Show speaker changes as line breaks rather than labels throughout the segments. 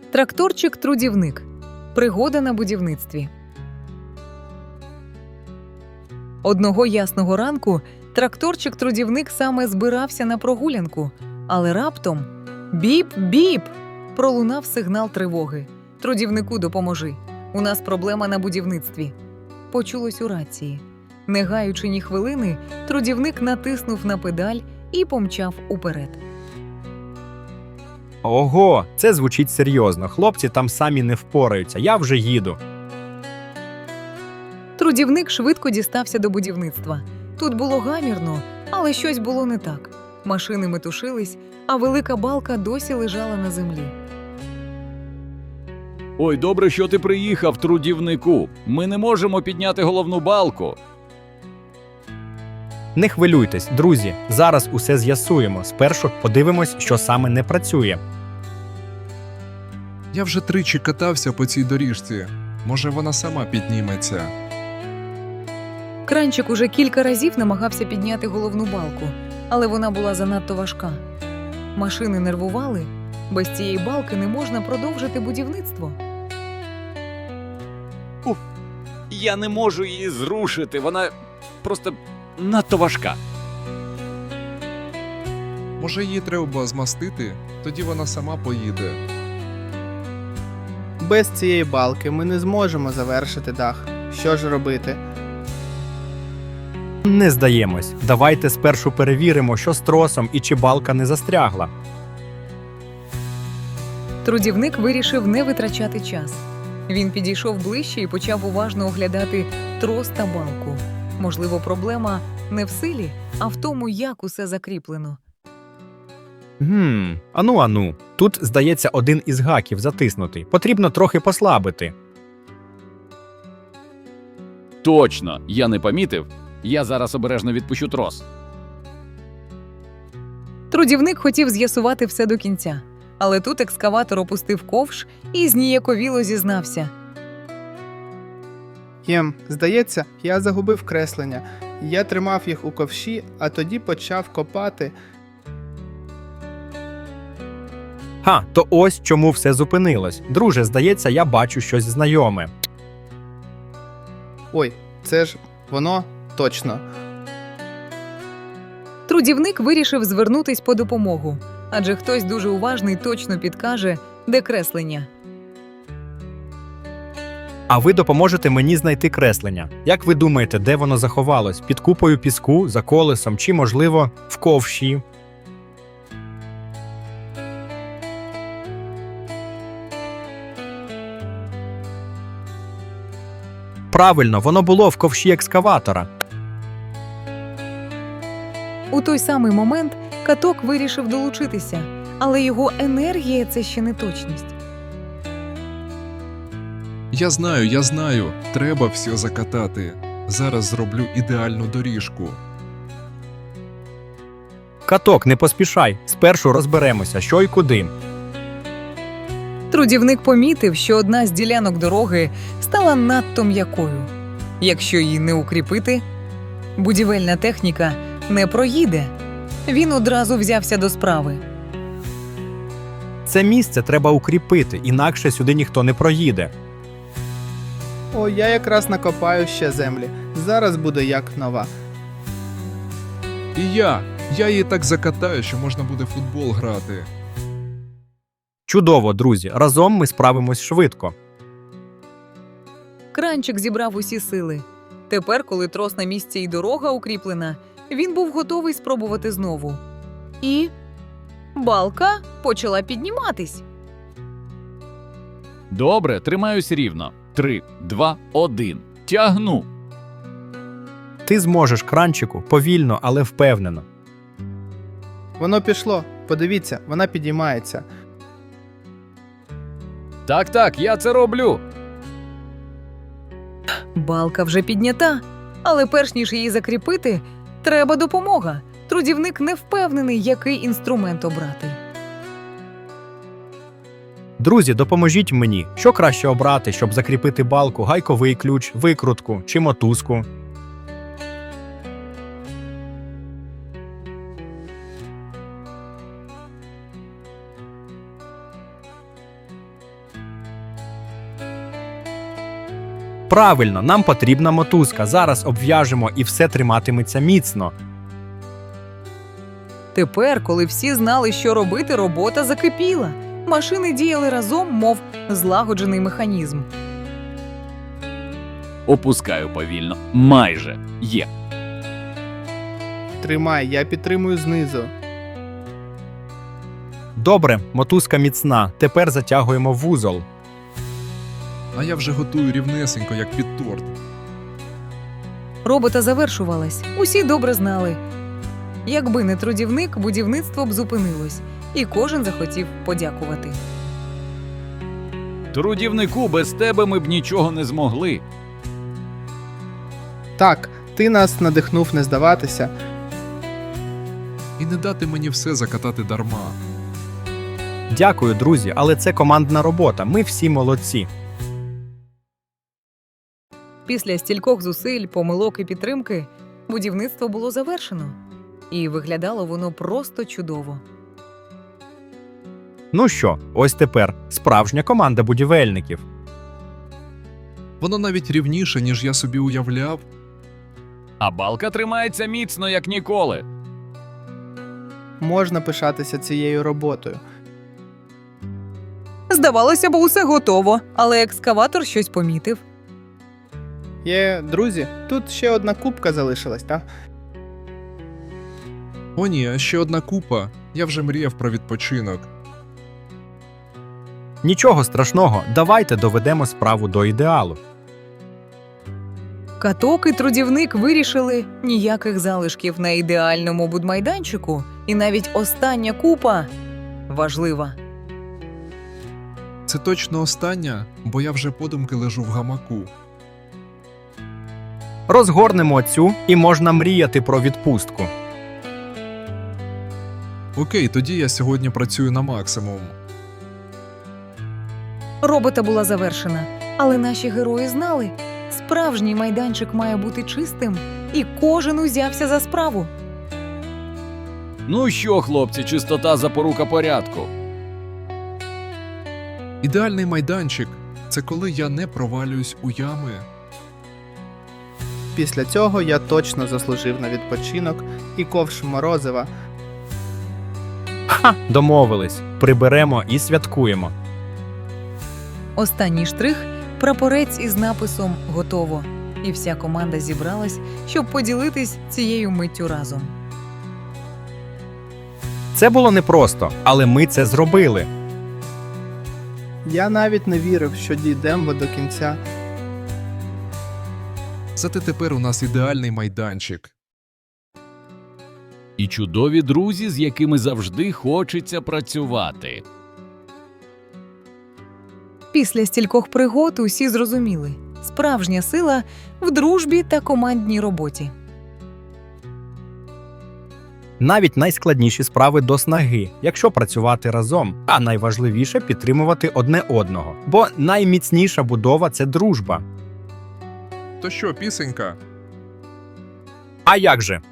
Тракторчик-трудівник. Пригода на будівництві. Одного ясного ранку тракторчик-трудівник саме збирався на прогулянку, але раптом біп-біп! Пролунав сигнал тривоги. Трудівнику допоможи. У нас проблема на будівництві. Почулось у рації. Не гаючи ні хвилини, трудівник натиснув на педаль і помчав уперед.
Ого, це звучить серйозно. Хлопці там самі не впораються, я вже їду.
Трудівник швидко дістався до будівництва. Тут було гамірно, але щось було не так. Машини метушились, а велика балка досі лежала на землі.
Ой, добре, що ти приїхав, трудівнику. Ми не можемо підняти головну балку.
Не хвилюйтесь, друзі, зараз усе з'ясуємо. Спершу подивимось, що саме не працює.
Я вже тричі катався по цій доріжці. Може, вона сама підніметься.
Кранчик уже кілька разів намагався підняти головну балку, але вона була занадто важка. Машини нервували, без цієї балки не можна продовжити будівництво.
Я не можу її зрушити, вона просто надто важка.
Може, її треба змастити? Тоді вона сама поїде.
Без цієї балки ми не зможемо завершити дах. Що ж робити?
Не здаємось. Давайте спершу перевіримо, що з тросом і чи балка не застрягла.
Трудівник вирішив не витрачати час. Він підійшов ближче і почав уважно оглядати трос та балку. Можливо, проблема не в силі, а в тому, як усе закріплено.
Ану. Тут, здається, один із гаків затиснутий. Потрібно трохи послабити.
Точно, я не помітив. Я зараз обережно відпущу трос.
Трудівник хотів з'ясувати все до кінця, але тут екскаватор опустив ковш і зніяковіло зізнався.
Здається, я загубив креслення. Я тримав їх у ковші, а тоді почав копати.
То ось чому все зупинилось. Друже, здається, я бачу щось знайоме.
Ой, це ж воно точно.
Трудівник вирішив звернутись по допомогу, адже хтось дуже уважний точно підкаже, де креслення.
А ви допоможете мені знайти креслення. Як ви думаєте, де воно заховалось? Під купою піску, за колесом чи, можливо, в ковші? Правильно, воно було в ковші екскаватора.
У той самий момент каток вирішив долучитися, але його енергія – це ще не точність.
Я знаю. Треба все закатати. Зараз зроблю ідеальну доріжку.
Каток, не поспішай. Спершу розберемося, що й куди.
Трудівник помітив, що одна з ділянок дороги стала надто м'якою. Якщо її не укріпити, будівельна техніка не проїде. Він одразу взявся до справи.
Це місце треба укріпити, інакше сюди ніхто не проїде.
О, я якраз накопаю ще землі. Зараз буде як нова.
І я її так закатаю, що можна буде в футбол грати.
Чудово, друзі, разом ми справимось швидко.
Кранчик зібрав усі сили. Тепер, коли трос на місці і дорога укріплена, він був готовий спробувати знову. І балка почала підніматись.
Добре, тримаюсь рівно. 3, 2, 1. Тягну.
Ти зможеш, Кранчику, повільно, але впевнено.
Воно пішло. Подивіться, вона підіймається.
Так, я це роблю.
Балка вже піднята, але перш ніж її закріпити, треба допомога. Трудівник не впевнений, який інструмент обрати.
Друзі, допоможіть мені. Що краще обрати, щоб закріпити балку, гайковий ключ, викрутку чи мотузку? Правильно, нам потрібна мотузка. Зараз обв'яжемо і все триматиметься міцно.
Тепер, коли всі знали, що робити, робота закипіла. Машини діяли разом, мов злагоджений механізм.
Опускаю повільно. Майже. Є.
Тримай, я підтримую знизу.
Добре, мотузка міцна. Тепер затягуємо вузол.
А я вже готую рівнесенько, як під торт.
Робота завершувалась. Усі добре знали. Якби не трудівник, будівництво б зупинилось, і кожен захотів подякувати.
Трудівнику, без тебе ми б нічого не змогли.
Так, ти нас надихнув не здаватися.
І не дати мені все закатати дарма.
Дякую, друзі, але це командна робота. Ми всі молодці.
Після стількох зусиль, помилок і підтримки будівництво було завершено. І виглядало воно просто чудово.
Ну що, ось тепер справжня команда будівельників.
Воно навіть рівніше, ніж я собі уявляв.
А балка тримається міцно, як ніколи.
Можна пишатися цією роботою.
Здавалося б, усе готово, але екскаватор щось помітив.
Друзі, тут ще одна кубка залишилась, так?
О ні, а ще одна купа. Я вже мріяв про відпочинок.
Нічого страшного, давайте доведемо справу до ідеалу.
Каток і трудівник вирішили ніяких залишків на ідеальному будмайданчику, і навіть остання купа важлива.
Це точно остання, бо я вже подумки лежу в гамаку.
Розгорнемо цю і можна мріяти про відпустку.
Окей, тоді я сьогодні працюю на максимум.
Робота була завершена, але наші герої знали, справжній майданчик має бути чистим, і кожен узявся за справу.
Ну що, хлопці, чистота запорука порядку.
Ідеальний майданчик – це коли я не провалююсь у ями.
Після цього я точно заслужив на відпочинок і ковш морозива.
Ха, домовились. Приберемо і святкуємо.
Останній штрих – прапорець із написом «Готово». І вся команда зібралась, щоб поділитись цією миттю разом.
Це було непросто, але ми це зробили.
Я навіть не вірив, що дійдемо до кінця.
Зате тепер у нас ідеальний майданчик.
І чудові друзі, з якими завжди хочеться працювати.
Після стількох пригод усі зрозуміли – справжня сила в дружбі та командній роботі.
Навіть найскладніші справи до снаги, якщо працювати разом, а найважливіше – підтримувати одне одного. Бо найміцніша будова – це дружба.
То що, пісенька?
А як же?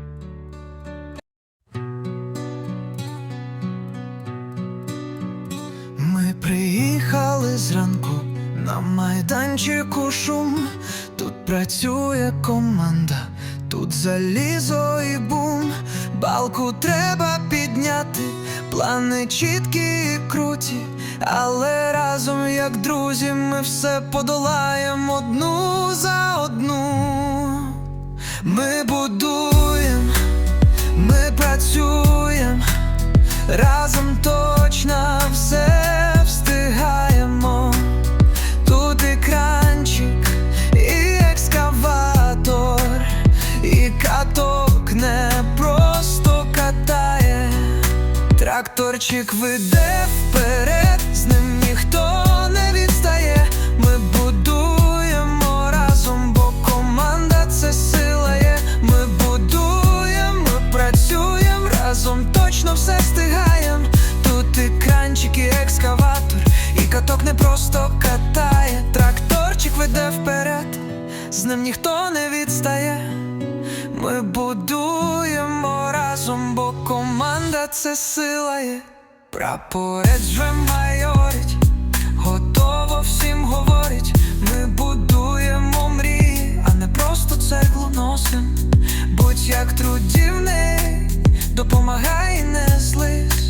Ми приїхали зранку, на майданчику шум. Тут працює команда, тут залізо і бум. Балку треба підняти, плани чіткі і круті, але разом, як друзі, ми все подолаємо одну за одну. Ми будуємо, ми працюємо, разом точно все встигаємо. Тут і кранчик, і екскаватор, і каток не просто катає. Тракторчик веде вперед, з ним ніхто не відстає. Ми будуємо разом, бо команда це сила є. Ми будуємо, ми працюємо разом, точно все встигаємо. Тут і кранчик, і екскаватор, і каток не просто катає. Тракторчик веде вперед, з ним ніхто не відстає. Ми будуємо разом, бо команда це сила є. Прапорець вже майорить, готово всім говорить. Ми будуємо цеглу носим. Будь як трудівник, допомагай, не злись.